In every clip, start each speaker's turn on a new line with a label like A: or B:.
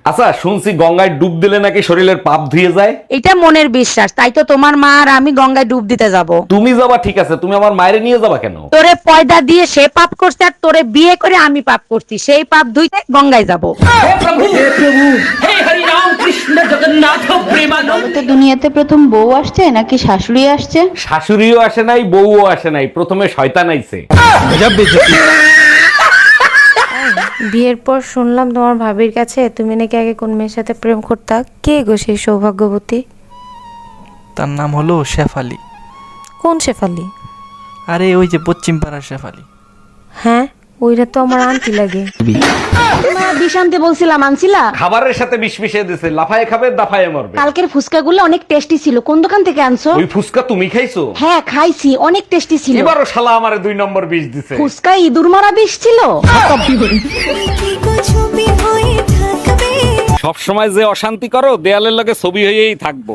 A: আচ্ছা, শুনছি গঙ্গায় ডুব দিলে নাকি শরীরের পাপ ধুয়ে যায়।
B: এটা মনের বিশ্বাস, তাই তো তোমার মা আর আমি গঙ্গায় ডুব দিতে যাব।
A: তুমি যাবা ঠিক আছে, তুমি আমার মায়ের নিয়ে যাবা কেন?
B: তোরে পয়দা দিয়ে সে পাপ করছে আর তোরে বিয়ে করে আমি পাপ করছি, সেই পাপ ধুইতে গঙ্গায় যাব।
C: তো দুনিয়াতে প্রথম বউ আসছে নাকি শাশুড়ি আসছে?
A: শাশুড়িও আসে নাই, বউও আসে নাই, প্রথমে শয়তান আইছে।
D: বিয়ের পর শুনলাম তোমার ভাবির কাছে তুমি নাকি আগে কোন মেয়ের সাথে প্রেম করতা। কে গো সেই সৌভাগ্যবতী?
E: তার নাম হলো শেফালি।
D: কোন শেফালি?
E: আরে ওই যে পশ্চিম পাড়ার শেফালি।
D: হ্যাঁ, ওইটা তো আমার আন্টি লাগে।
F: মা বিষ আনতে বলছিলাম, আনছিলা?
A: খাবারের সাথে বিষ মিশিয়ে দিছে, লাফায়ে খাবে দাফায়ে মরবে।
F: কালকের ফুচকাগুলো অনেক টেস্টি ছিল, কোন দোকান থেকে আনছো?
A: ওই ফুসকা তুমি খাইছো?
F: হ্যাঁ খাইছি, অনেক টেস্টি ছিল।
A: এবারও শালা আমারে 2 নম্বর বিষ দিছে।
F: ফুচকায় ইঁদুর মারা বিষ ছিল।
A: সব সময় যে অশান্তি করো, দেয়ালের লগে ছবি হয়েই থাকবো।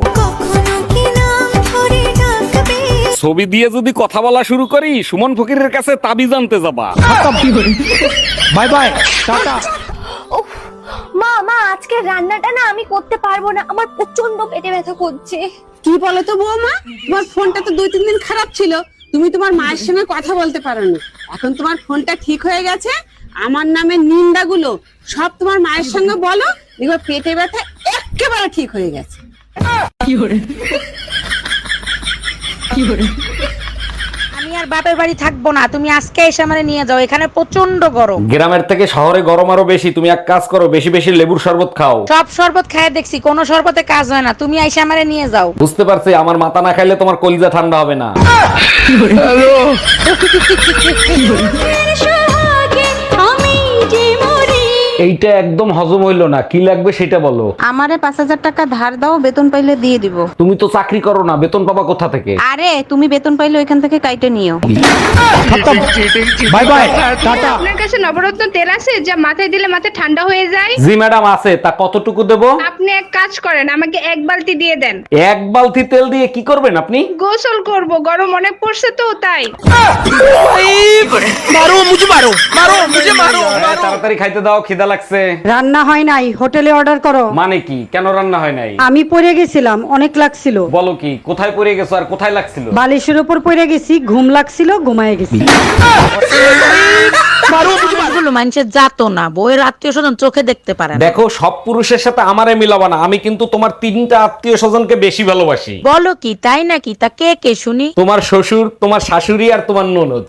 A: ছবি দিয়ে যদি কথা বলা শুরু করি, সুমন ফকিরের কাছে তাবিজ আনতে যাবা।
E: Bye bye, tata.
G: মা মা আজকে রান্নাটা না আমি করতে পারবো না, আমার প্রচন্ড পেটে ব্যথা করছে।
H: কি বলো তো বৌমা, তোমার ফোনটা তো 2-3 দিন খারাপ ছিল, তুমি তোমার মায়ের সঙ্গে কথা বলতে পারো না। এখন তোমার ফোনটা ঠিক হয়ে গেছে, আমার নামে নিন্দাগুলো সব তোমার মায়ের সঙ্গে বলো, দেখো পেটে ব্যথা একেবারে ঠিক হয়ে গেছে।
B: আমি আর বাপের বাড়ি থাকবো না, তুমি আজকে এসে আমারে নিয়ে যাও, এখানে প্রচন্ড গরম।
A: গ্রামের থেকে শহরে গরম আরো বেশি। তুমি এক কাজ করো, বেশি বেশি লেবুর শরবত খাও।
B: সব শরবত খায় দেখছি, কোনো শরবতে কাজ হয় না, তুমি এসে আমারে নিয়ে যাও।
A: বুঝতে পারছি, আমার মাথা না খাইলে তোমার কলিজা ঠান্ডা হবে না। এইটা একদম হজম হইলো না, কি লাগবে সেটা বলো।
C: আমারে 5,000 টাকা ধার দাও, বেতন পাইলে দিয়ে দিব।
A: তুমি তো চাকরি করো না, বেতন পাবা কোথা থেকে?
C: আরে তুমি বেতন পাইলে ওইখান থেকে কাইটে নিও।
E: Bye bye, tata.
G: আপনার কাছে নবরত্ন তেল আছে যা মাথায় দিলে মাথা ঠান্ডা হয়ে যায়?
A: জি ম্যাডাম আছে, তা কতটুকু দেবো?
G: আপনি এক কাজ করেন, আমাকে 1 বালতি দিয়ে দেন।
A: 1 বালতি তেল দিয়ে কি করবেন আপনি?
G: গোসল করব, গরম অনেক পড়ছে তো তাই।
A: তাড়াতাড়ি খাইতে দাও, খিদা লাগছে।
I: রান্না হয় নাই, হোটেলে অর্ডার করো।
A: মানে কি, কেন রান্না হয় নাই?
I: আমি পড়ে গেছিলাম, অনেক লাগছিল।
A: বলো কি, কোথায় পড়ে গেছো আর কোথায় লাগছিল?
I: বালিশের উপর পড়ে গেছি, ঘুম লাগছিল, ঘুমায় গেছি।
B: মানুষের যাতো না, বউয়ের আত্মীয় স্বজন চোখে দেখতে পারে না।
A: দেখো, সব পুরুষের সাথে আমারে মিলাবা না, আমি কিন্তু তোমার 3টা আত্মীয় স্বজনকে বেশি ভালোবাসি।
B: বলো কি, তাই নাকি? তা কে কে শুনি?
A: তোমার শ্বশুর, তোমার শাশুড়ি আর তোমার ননদ।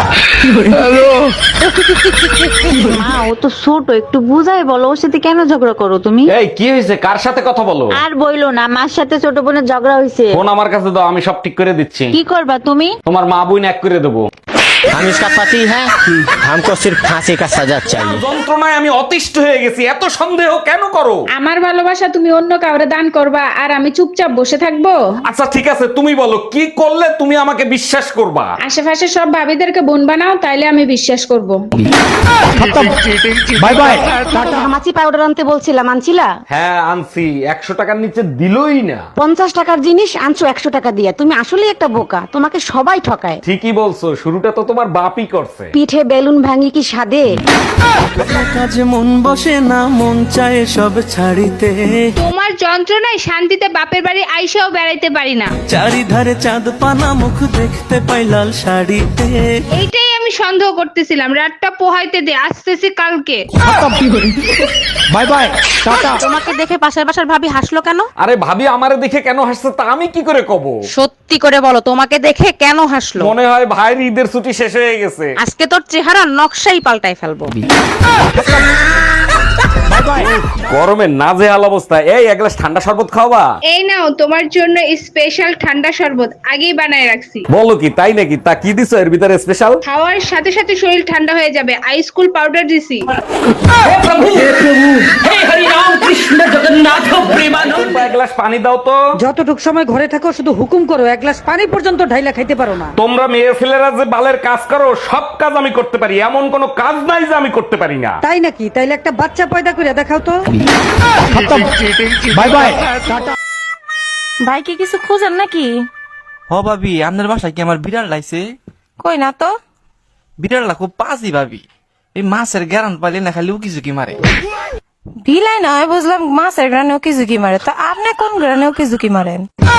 C: মা ও তো ছোট, একটু বুঝাই বলো, ওর সাথে কেন ঝগড়া করো তুমি?
A: এই কি হয়েছে, কার সাথে কথা বলো?
C: আর বইলো না, মার সাথে ছোট বোনের ঝগড়া হয়েছে।
A: ফোন আমার কাছে দাও, আমি সব ঠিক করে দিচ্ছি।
C: কি করবা তুমি?
A: তোমার মা বোন এক করে দেবো।
J: हम इसका पति है, हमको सिर्फ फांसी का सजा चाहिए।
A: যন্ত্রণায় আমি অতিষ্ঠ হয়ে গেছি, এত সন্দেহ কেন করো?
G: আমার ভালোবাসা তুমি অন্য কাউরে দান করবা আর আমি চুপচাপ বসে থাকবো?
A: আচ্ছা ঠিক আছে, তুমি বলো কি করলে তুমি আমাকে বিশ্বাস করবা?
G: আশেপাশে সব ভাবিদেরকে বোন বানাও, তাইলে আমি বিশ্বাস করব।
E: Bye bye, tata.
F: ঘামাচি পাউডার আনতে বলছিলাম, আনছিলা?
A: হ্যাঁ আনছি, 100 টাকার নিচে দিলই না।
F: 50 টাকার জিনিস আনছো 100 টাকা দিয়ে, তুমি আসলে একটা বোকা, তোমাকে সবাই ঠকায়।
A: ঠিকই বলছো, শুরুটা তো তোমার বাপই করছে।
F: পিঠে বেলুন ভাঙি কি স্বাদে?
E: কাজে মন বসে না, মন চায় সব ছাড়িতে।
G: তোমার যন্ত্রণায় শান্তিতে বাপের বাড়ি আইসাও বেড়াইতে পারি না।
E: চারিধারে চাঁদ পানা, মুখ দেখতে পাই লাল শাড়িতে।
G: এইটাই আমি সন্দেহ করতেছিলাম, রাতটা পোহাইতে দে, আসতেছি কালকে।
E: Bye bye, tata.
B: তোমাকে দেখে পাশের বাসার ভাবি হাসলো কেন?
A: আরে ভাবি আমারে দেখে কেন হাসছে তা আমি কি করে কব?
B: সত্যি করে বলো, তোমাকে দেখে কেন হাসলো?
A: মনে হয় ভাইয়ের ঈদের ছুটি শেষ হয়ে গেছে।
B: আজকে তোর চেহারা নকশাই পাল্টাই ফেলবো।
A: গরমে নাজেহাল অবস্থা। এই এক গ্লাস ঠান্ডা শরবত খাওয়াবা?
G: এই নাও তোমার জন্য স্পেশাল ঠান্ডা শরবত, আগেই বানায় রাখছি।
A: বলো কি, তাই নাকি? তা কি দিছো এর ভিতরে স্পেশাল?
G: খাওয়ার সাথে সাথে শরীর ঠান্ডা হয়ে যাবে, আইস কুল পাউডার দিছি।
A: এক গ্লাস পানি দাও তো।
I: যতটুক সময় ঘরে থাকো শুধু হুকুম করো, এক গ্লাস পানি পর্যন্ত ঢাইলা খাইতে পারো না।
A: তোমরা মেয়ে ছেলেরা যে বালের কাজ করো, সব কাজ আমি করতে পারি, এমন কোনো কাজ নাই যে আমি করতে পারি না।
I: তাই নাকি? তাইলে একটা বাচ্চা পয়দা করে দেখাও তো।
E: Bye bye, tata.
D: ভাই কি কিছু খোঁজেন নাকি?
E: হ ভাবি, আপনার বাসায় কি আমার বিড়াল লাইছে?
D: কই না তো।
E: বিড়ালটা খুব পাজি ভাবি, এই মাছের গ্যারান পাইলে না খালি উকি ঝুঁকি মারে।
D: বিলাই নয় বুঝলাম মাছের গ্রানেও কি ঝুঁকি মারে, তো আপনি কোন গ্রানেও কি ঝুঁকি মারেন?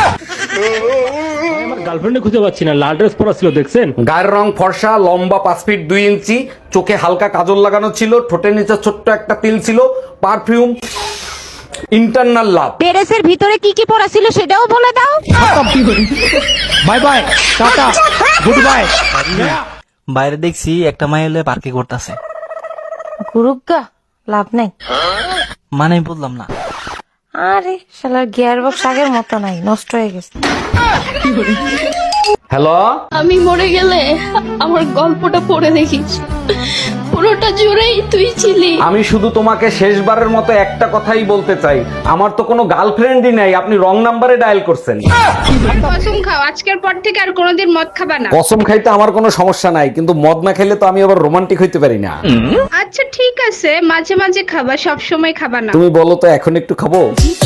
J: আমার গার্লফ্রেন্ডে খুঁজে পাচ্ছি না, লাল ড্রেস পরা ছিল দেখছেন?
A: গায়ের রং ফর্সা, লম্বা 5 ফিট 2 ইঞ্চি, চোখে হালকা কাজল লাগানো ছিল, ঠোঁটের নিচে ছোট্ট একটা তিল ছিল, পারফিউম, ইন্টারনাল লাভ।
F: পেরেসের ভিতরে কি কি পড়া ছিল সেটাও বলে দাও।
J: Bye bye, tata, good bye.
E: বাইরে দেখছি একটা মাই হলে পার্কে করতেছে,
D: গুরুগা লাভ নাই।
E: মানে আমি বললাম না।
D: আরে শালার গিয়ার বক্স আগের মতো নাই, নষ্ট হয়ে গেছে।
A: হ্যালো,
G: আমি মরে গেলে আমার গল্পটা পড়ে দেখিস, পুরোটা জুড়েই তুই ছিলি।
A: আমি শুধু তোমাকে শেষবারের মতো একটা কথাই বলতে চাই, আমার তো কোনো গার্লফ্রেন্ডই নাই, আপনি রং নাম্বারে ডায়াল করছেন।
H: কসম খাও আজকের পর থেকে আর কোনোদিন মদ খাবা না।
A: কসম খাইতে আমার কোনো সমস্যা নাই, কিন্তু মদ না খেলে তো আমি আবার রোমান্টিক হইতে পারি না।
H: আচ্ছা ঠিক আছে, মাঝে মাঝে খাবা, সব সময় খাবা না।
A: তুমি বলো তো এখন একটু খাবো?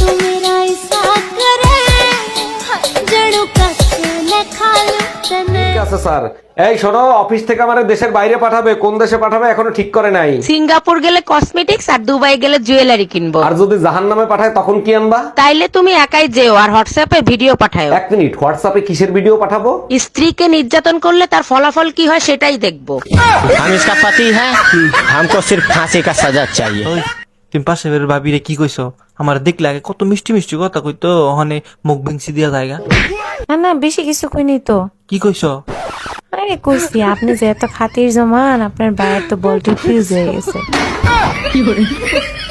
A: ঠিক আছে স্যার। এই শোনো, অফিস থেকে আমার দেশের বাইরে পাঠাবে, কোন দেশে পাঠাবে এখনো ঠিক করে নাই।
B: সিঙ্গাপুর গেলে কসমেটিক্স আর দুবাই গেলে জুয়েলারি কিনবো।
A: আর যদি জাহান্নামে পাঠায় তখন কি আনবা?
B: তাইলে তুমি একাই যেও আর হোয়াটসঅ্যাপে ভিডিও পাঠাও।
A: 1 মিনিট, হোয়াটসঅ্যাপে কিসের ভিডিও পাঠাবো?
B: স্ত্রীকে নির্যাতন করলে তার ফলাফল কি হয় সেটাই দেখবো।
J: हम इसका पति है, हमको सिर्फ फांसी का सजा चाहिए।
E: ওই তুমি পাশে বের ভাবিরে কি কইছো? আমার দেখলে আগে কত মিষ্টি মিষ্টি কথা কইতো, ওখানে মুখ ভেঙছি দিয়া জায়গা।
D: না না, বেশি কিছু কইনি তো।
E: কি কইছো?
D: আরে কইছি আপনি যে এত খাতির জমান, আপনার বাইরে তো বলটি ফিউজ হয়ে গেছে।